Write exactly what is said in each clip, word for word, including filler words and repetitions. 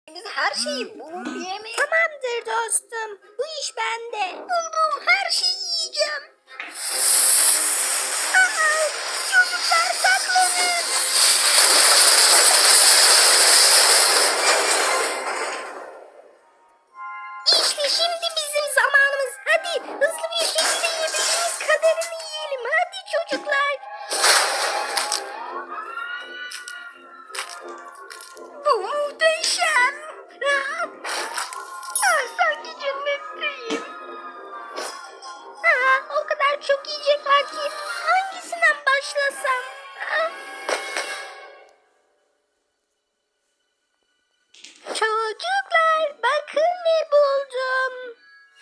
Biz her şeyi bulup yemeyiz. Tamamdır dostum. Bu iş bende. Buldum, her şeyi yiyeceğim. Aa, çocuklar saklanın. İşte şimdi bizim zamanımız. Hadi hızlı bir şekilde yiyebildiğimiz kadarını yiyelim. Hadi çocuklar. Bu muhteşem. Aa, aa, sanki cennetteyim. Aa, o kadar çok yiyecek var ki. Hangisinden başlasam? Aa. Çocuklar bakın ne buldum.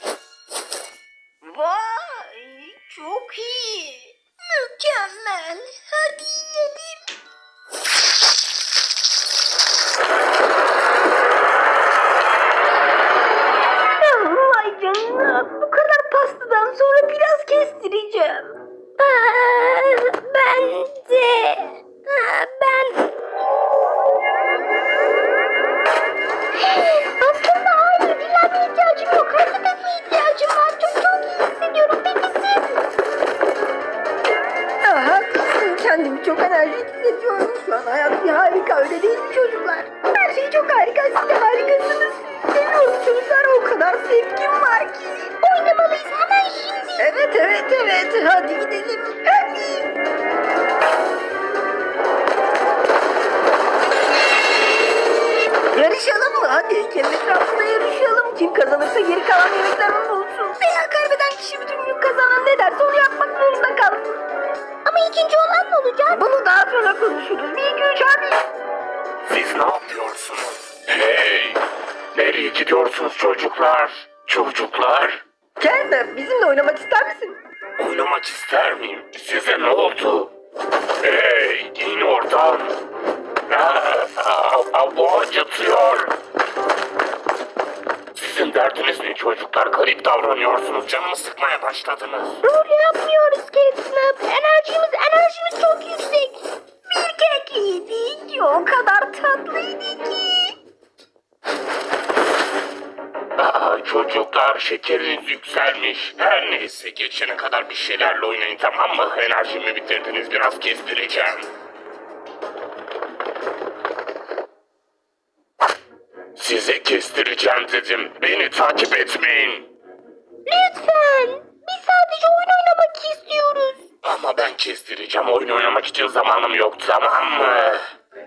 Vay, çok iyi. Mükemmel. Hadi yiyelim. Vay canına. Bu kadar pastadan sonra biraz kestireceğim. Aa, ben de. Aa, ben... Aslında hayır, dinlenmeye ihtiyacım yok. Hareket etmeye ihtiyacım var. Çok çok iyi hissediyorum. Peki siz? Aa, haklısın. Kendimi çok enerjik hissediyorum. Şu an hayat bir harika, öyle değil mi çocuklar? Her şey çok harika. Siz de harikasınız. Seviyorum çocuklar. O kadar sevgim var ki. Oynamalıyız hemen şimdi. Evet evet evet. Hadi gidelim. Hadi. Yarışalım mı? Hadi kendi etrafında yarışalım. Kim kazanırsa geri kalan yemeklerden bulsun. Veya kaybeden kişi bütün gün kazanan ne derse onu yapmak zorunda kalsın. Ama ikinci olan ne olacak? Bunu daha sonra konuşuruz. Bir, iki, üç, hadi. Siz ne yapıyorsunuz? Hey! Nereye gidiyorsunuz çocuklar? Çocuklar? Kendin bizimle oynamak ister misin? Oynamak ister miyim? Size ne oldu? Hey! İn oradan! Aa, aa, aa, bu acıtıyor! Sizin derdiniz ne çocuklar? Garip davranıyorsunuz. Canımı sıkmaya başladınız. Rol yapmıyoruz Catnap. Enerjimiz, enerjimiz çok yüksek. Bir kek yedik. O kadar tatlıydı ki. Aa, çocuklar şekeriniz yükselmiş. Her neyse geçene kadar bir şeylerle oynayın, tamam mı? Enerjimi bitirdiniz, biraz kestireceğim. Size kestireceğim dedim. Beni takip etmeyin. Lütfen. Biz sadece oyun oynamak istiyoruz. Ama ben kestireceğim. Oyun oynamak için zamanım yok, tamam mı?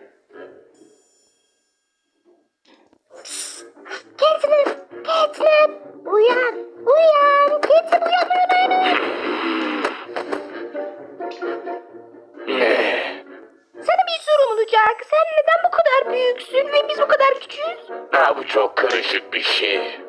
Catnap, Catnap. Uyan, uyan. Catnap uyan, uyan, uyan, uyan. Ne? Sana bir sorum olacak. Sen neden bu kadar büyüksün ve biz bu kadar küçüğüz? Ha, bu çok karışık bir şey.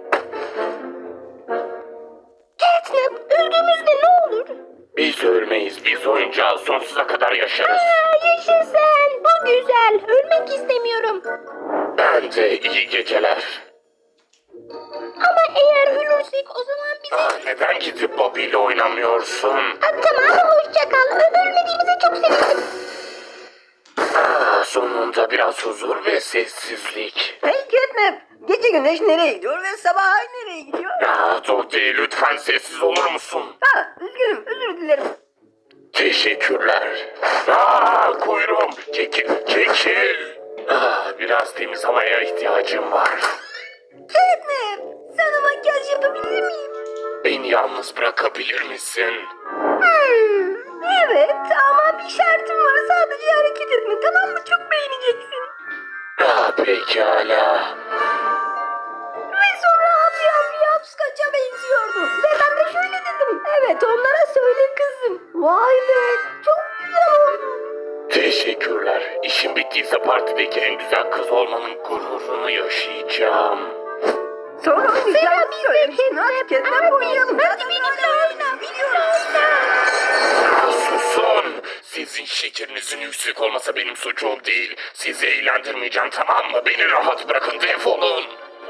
Catnap, öldüğümüzde ne olur? Biz ölmeyiz. Biz oyuncağız. Sonsuza kadar yaşarız. Aa, yaşa sen. Bu güzel. Ölmek istemiyorum. Ben de iyi geceler. Ama eğer ölürsek o zaman bize... Aa, neden gidip Bobby ile oynamıyorsun? Aa, tamam, hoşça kal. Ö- Ölmediğimize çok sevindim. Aa, sonunda biraz huzur ve sessizlik. Hey Catnap. Gece güneş nereye gidiyor ve sabah ay nereye gidiyor? Aa, Dodi, lütfen sessiz olur musun? Ha, üzgünüm, özür dilerim. Teşekkürler. Aa, kuyruğum. Çekil, çekil. Aa, biraz temiz havaya ihtiyacım var. Catnap, sana makyaj yapabilir miyim? Beni yalnız bırakabilir misin? Hmm, evet ama bir şartım var, sadece hareket etme, tamam mı? Çok beğeneceksin. Aa, pekala. Ve sonra abi abi yapskaça benziyordu. Ve ben de şöyle dedim. Evet, onlara söyle kızım. Vay be, çok güzel oldu. Teşekkürler. İşim bittiyse partideki en güzel kız olmanın gururunu yaşayacağım. Sonra oynayacağım. biz de Söylemiştin. Hadi Catnap, Catnap hadi. oynayalım. Hadi benimle oyna, Biliyorum. Susun! Sizin şekerinizin yüksek olmasa benim suçum değil. Sizi eğlendirmeyeceğim, tamam mı? Beni rahat bırakın, defolun.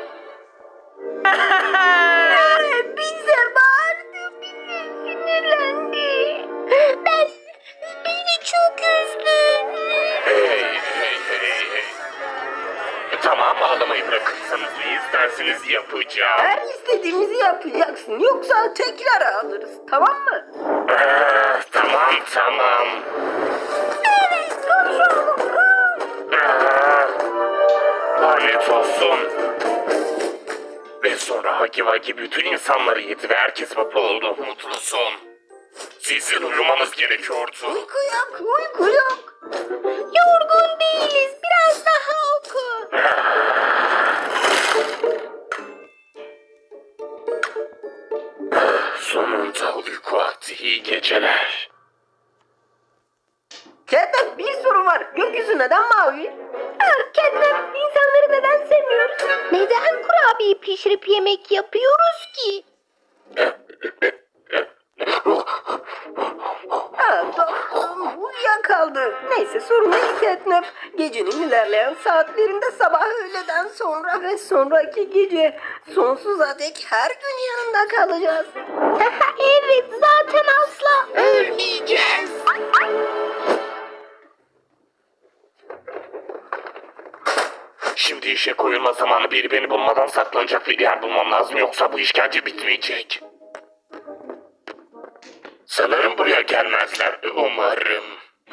Bize bağırdı, bize sinirlendi. Ben... Beni çok üzdün. Hey, hey, hey, hey. Tamam, ağlamayı bırakın. istediğinizi yapacağım. Her istediğimizi yapacaksın. Yoksa tekrar alırız. Tamam mı? Ah, tamam tamam. Evet. Konuşalım. Ah, lanet olsun. Ve sonra Hagi Vagi bütün insanları yedi ve herkes mutlu oldu. Mutlusun. Sizin uyumanız gerekiyordu. Uyku yok. Uyku yok. Yorgun değiliz. Biraz daha oku. Sonunda uyku vakti, iyi geceler. Catnap, bir sorun var. Gökyüzü neden mavi? Ah, Catnap, insanları neden sevmiyoruz? Neden kurabiye pişirip yemek yapıyoruz ki? Ha, dostum uyuyakaldı. Neyse sorun değil Catnap. Gecenin ilerleyen saatlerinde sabah öğleden sonra ve sonraki gece sonsuza dek her gün yanında kalacağız. Evet, zaten asla Ölmeyeceğiz. Şimdi işe koyulma zamanı. Biri beni bulmadan saklanacak bir yer bulmam lazım. Yoksa bu işkence bitmeyecek. Sanırım buraya gelmezler. Umarım.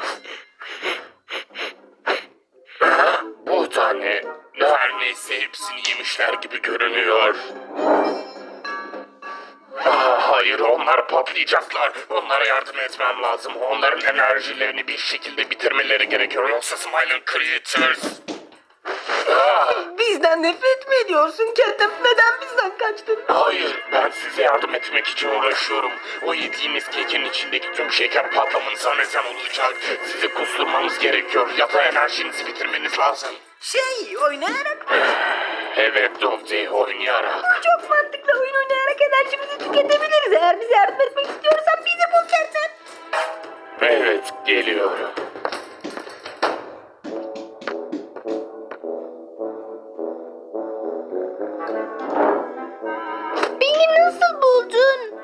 Ha, bu da ne? Her neyse hepsini yemişler gibi görünüyor. Aa, hayır, onlar patlayacaklar. Onlara yardım etmem lazım. Onların enerjilerini bir şekilde bitirmeleri gerekiyor. Yoksa Smiling Creatures... Aa, Bizden nefret mi ediyorsun Catnap? Neden bizden kaçtın? hayır, ben size yardım etmek için uğraşıyorum. O yediğiniz kekin içindeki tüm şeker patlamanıza neden olacak. Sizi kusturmanız gerekiyor ya da enerjinizi bitirmeniz lazım. Şey oynayarak mı? Evet Dovdi, oynayarak. Çok mantıklı, oyun oynayarak enerjimizi tüketebiliriz. Eğer bize yardım etmek istiyorsan bizi bul Catnap. Evet, geliyorum. Beni nasıl buldun?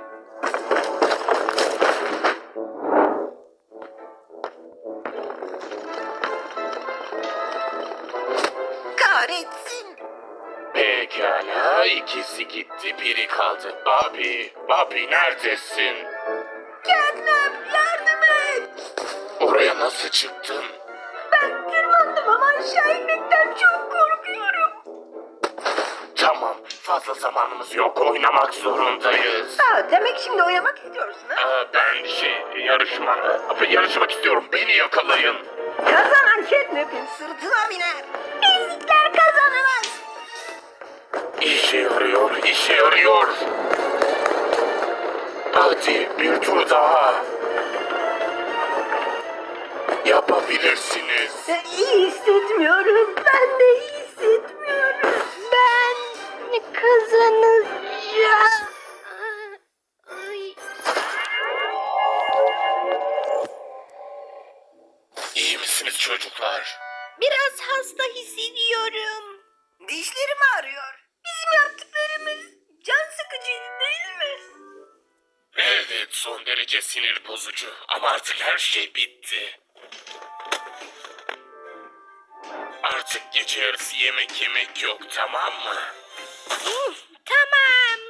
Kahretsin. Pekala, ikisi gitti, biri kaldı. Bobby, Bobby neredesin? Catnap yardım et. Oraya nasıl çıktın? Ben tırmandım ama aşağı inmekten çok korkuyorum. Tamam, fazla zamanımız yok, oynamak zorundayız. Ha, demek şimdi oynamak istiyorsun ha? Aa, ben şey, yarışma, yarışmak istiyorum, beni yakalayın. Kazanan Catnap'in sırtına biner. Ezikler kazanamaz. İşe yarıyor, işe yarıyor. Hadi bir tur daha. Yapabilirsiniz. E, İyi hissetmiyorum. Ben de iyi hissetmiyorum. Ben kazanacağım. Ay. İyi misiniz çocuklar? Biraz hasta hissediyorum. Dişlerim ağrıyor. Bizim yaptıklarımız can sıkıcıydı değil mi? Evet, son derece sinir bozucu ama artık her şey bitti. Artık gece yarısı yemek yemek yok, tamam mı? Tamam.